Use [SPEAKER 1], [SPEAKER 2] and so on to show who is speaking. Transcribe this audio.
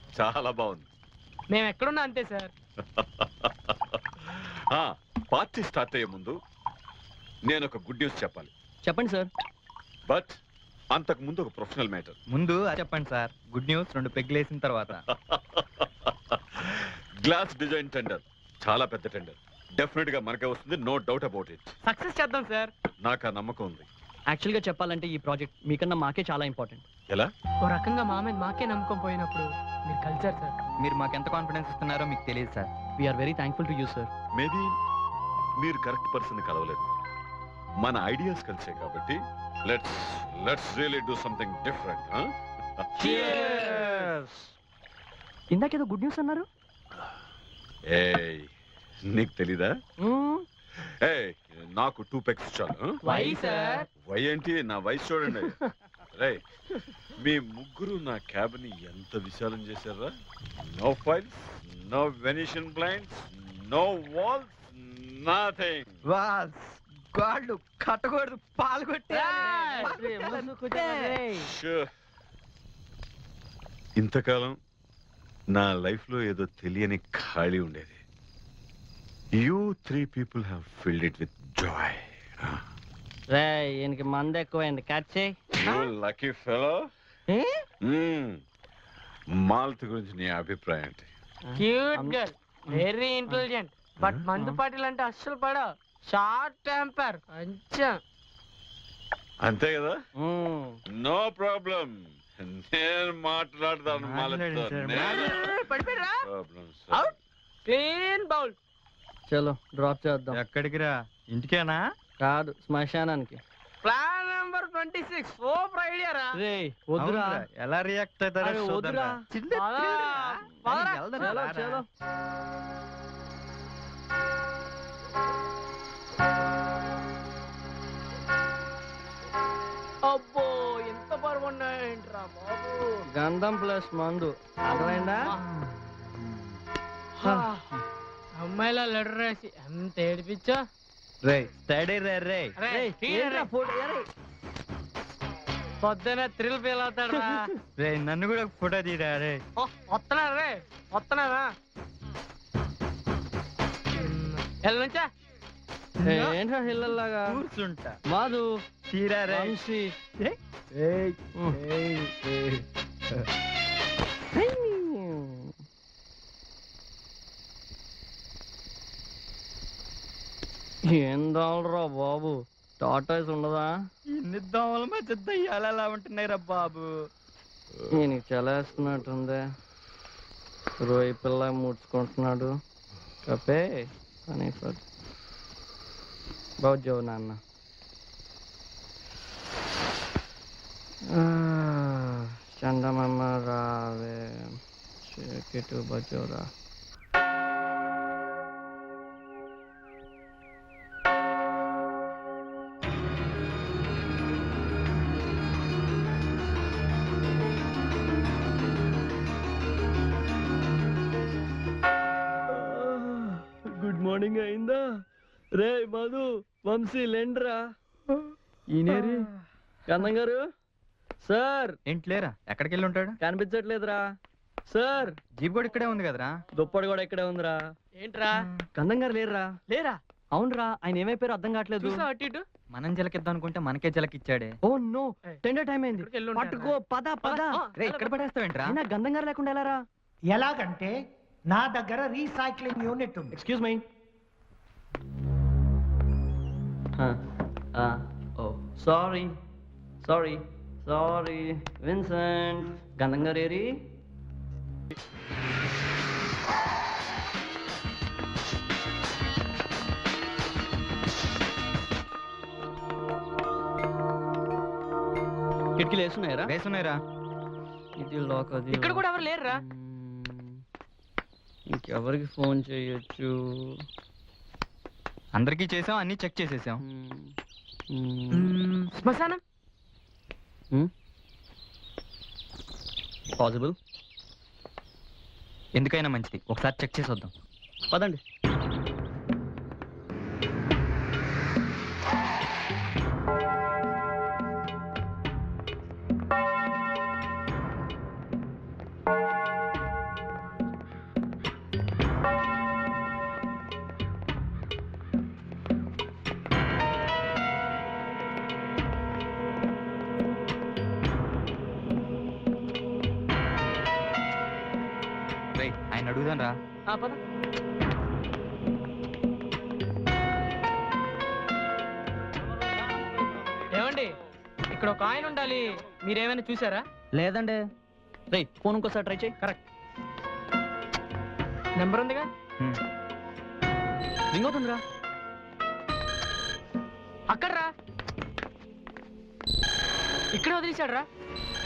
[SPEAKER 1] చాలా బాగుంది.
[SPEAKER 2] మేము ఎక్కడున్నా అంతే సార్.
[SPEAKER 1] పార్టీ స్టార్ట్ అయ్యే ముందు నేను ఒక గుడ్ న్యూస్ చెప్పాలి.
[SPEAKER 3] చెప్పండి సార్.
[SPEAKER 1] బట్ అంతకు ముందు ఒక ప్రొఫెషనల్ మ్యాటర్.
[SPEAKER 4] ముందు చెప్పండి సార్. గుడ్ న్యూస్ 2 పెగ్గులు వేసిన తర్వాత.
[SPEAKER 1] గ్లాస్ డిజైన్ టెండర్ చాలా పెద్ద టెండర్. డెఫినెట్ గా మనకే వస్తుంది, no doubt about it.
[SPEAKER 2] Success చేద్దాం సార్.
[SPEAKER 1] నాకు ఆ నమ్మకం ఉంది.
[SPEAKER 3] యాక్చువల్గా చెప్పాలంటే ఈ ప్రాజెక్ట్ మీకన్నా మాకే చాలా ఇంపార్టెంట్.
[SPEAKER 1] ఎలా?
[SPEAKER 2] ఓ రకంగా మా మీద మాకే నమ్మకం పోయినప్పుడు మీరు కలిసారు సార్.
[SPEAKER 4] మీరు మాకు ఎంత కాన్ఫిడెన్స్ ఇస్తున్నారో మీకు తెలియదు sir.
[SPEAKER 3] We're very thankful to you sir.
[SPEAKER 1] Maybe మీరు కరెక్ట్ పర్సన్ కలవలేదు, మన ఐడియాస్ కలిసే కాబట్టి let's really do something different.
[SPEAKER 3] ఇందాకేదో గుడ్ న్యూస్ అన్నారు.
[SPEAKER 1] ఏయ్, నీకు తెలీదా? ఏయ్, నాకు 2 పెగ్స్ చాలు.
[SPEAKER 2] Why sir?
[SPEAKER 1] వై ఏంటి, నా వయసు చూడండి. రే, మీ ముగ్గురు నా క్యాబిన్ ఎంత విశాలం చేశారా? No files, no venetian blinds, no walls, nothing.
[SPEAKER 4] Walls గాళ్ళు కట్టకూడదు, పాలు కొట్టే.
[SPEAKER 1] ఇంతకాలం నా లైఫ్ లో ఏదో తెలియని ఖాళీ ఉండేది. You 3 people have filled it with joy.
[SPEAKER 3] రే, ఈయనకి మంద ఎక్కువైంది, కట్ చేయి.
[SPEAKER 1] You lucky fellow. మాలతి గురించి నీ అభిప్రాయం ఏంటి?
[SPEAKER 2] Cute girl, very intelligent, but మందు పాటిల్ అంటే అస్సలు పడవు. షార్ట్ టెంపర్ కొంచెం.
[SPEAKER 1] అంతే కదా? నో ప్రాబ్లం, నేను మాట్లాడతాను మాలతితో.
[SPEAKER 2] Clean bowl.
[SPEAKER 3] చలో డ్రాప్ చేద్దాం.
[SPEAKER 4] ఎక్కడికి రా? ఇంటికేనా?
[SPEAKER 3] కాదు, శ్మశానానికి.
[SPEAKER 2] ప్లాన్ నెంబర్ 26 సూపర్ ఐడియా రా.
[SPEAKER 3] రే వద్దురా.
[SPEAKER 4] ఎలా రియాక్ట్ అవుతారో
[SPEAKER 3] వద్దురా. చలో చలో.
[SPEAKER 2] అబ్బో, ఎంత బరువు ఉన్నాయంట్రా బాబు.
[SPEAKER 3] గంధం ప్లస్ మందు, అర్థమైందా?
[SPEAKER 2] అమ్మాయిలా లెటర్ రాసి ఎంత ఏడిపించా.
[SPEAKER 4] రే స్టడీ రే.
[SPEAKER 2] పొద్దున థ్రిల్ ఫీల్ అవుతాడు రా.
[SPEAKER 4] రే నన్ను కూడా ఫోటో తీరా. రే
[SPEAKER 2] వస్తున్నా రే, వస్తున్నావా? నుంచా
[SPEAKER 3] ఏంట్రా హిల్లల్లాగా
[SPEAKER 4] కూర్చుంటా.
[SPEAKER 3] మాధు
[SPEAKER 4] తీరా రే.
[SPEAKER 3] వంశీ. ఏం దావలరా బాబు, టాటాయిస్ ఉండదా?
[SPEAKER 4] ఇన్ని దోమల మధ్య దయ్యాలు ఎలా ఉంటున్నాయి రా బాబు.
[SPEAKER 3] నేను చలేస్తున్నట్టుంది. రోయి పిల్ల ముడుచుకుంటున్నాడు. కపే అని బాజో నాన్న. చందమామ రావే, చెకిటు బజోరా. గుడ్ మార్నింగ్ అయిందా? రే మధు, వంశీ లేండ్రా. ఈయనేరి గంధం గారు. సార్
[SPEAKER 4] ఏంట్లేరా? ఎక్కడికి వెళ్ళి ఉంటాడు?
[SPEAKER 3] కనిపించట్లేదురా సార్.
[SPEAKER 4] జీప్ కూడా ఇక్కడే ఉంది కదరా.
[SPEAKER 3] దుప్పటి కూడా ఇక్కడే ఉందిరా.
[SPEAKER 2] ఏంట్రా?
[SPEAKER 3] గంధం గారు లేరురా.
[SPEAKER 2] లేరా?
[SPEAKER 3] అవునరా, ఆయన ఏమైపోయారో అర్థం కావట్లేదు.
[SPEAKER 2] అటు ఇటు
[SPEAKER 4] మనం జలకిద్దాం అనుకుంటే మనకే జలకిచ్చాడే.
[SPEAKER 3] ఓ నో, టెండర్ టైం అయింది. పట్టుకో, పద పద.
[SPEAKER 4] ఇక్కడ పడేస్తావేంట్రా?
[SPEAKER 3] గంధం గారు లేకుండా ఎలారా?
[SPEAKER 5] ఎలాగంటే నా దగ్గర రీసైక్లింగ్ యూనిట్ ఉంది.
[SPEAKER 3] Excuse me. Oh sorry sorry sorry Vincent. Gandham గారు ఏరి? కిటికీలు వేసున్నాయరా?
[SPEAKER 4] వేసున్నాయిరా.
[SPEAKER 3] ఇది లోక్. అది
[SPEAKER 2] ఇక్కడ కూడా ఎవరు లేరురా.
[SPEAKER 3] ఇంకెవరికి ఫోన్ చేయొచ్చు?
[SPEAKER 4] అందరికీ చేసాం, అన్ని చెక్ చేసేసాం.
[SPEAKER 2] శ్మశానం
[SPEAKER 3] పాసిబుల్.
[SPEAKER 4] ఎందుకైనా మంచిది, ఒకసారి చెక్ చేసి వద్దాం.
[SPEAKER 3] పదండి.
[SPEAKER 4] ఆయన అడుగుదాం రా.
[SPEAKER 3] పద.
[SPEAKER 2] ఏమండి ఇక్కడ ఒక ఆయన ఉండాలి, మీరేమైనా చూసారా?
[SPEAKER 3] లేదండి. రే ఫోన్ ఇంకోసారి ట్రై చేయి.
[SPEAKER 2] కరెక్ట్ నెంబర్ ఉందిగా.
[SPEAKER 3] రింగ్ అవుతుందిరా.
[SPEAKER 2] అక్కడ రా, ఇక్కడ వదిలేశాడు రా.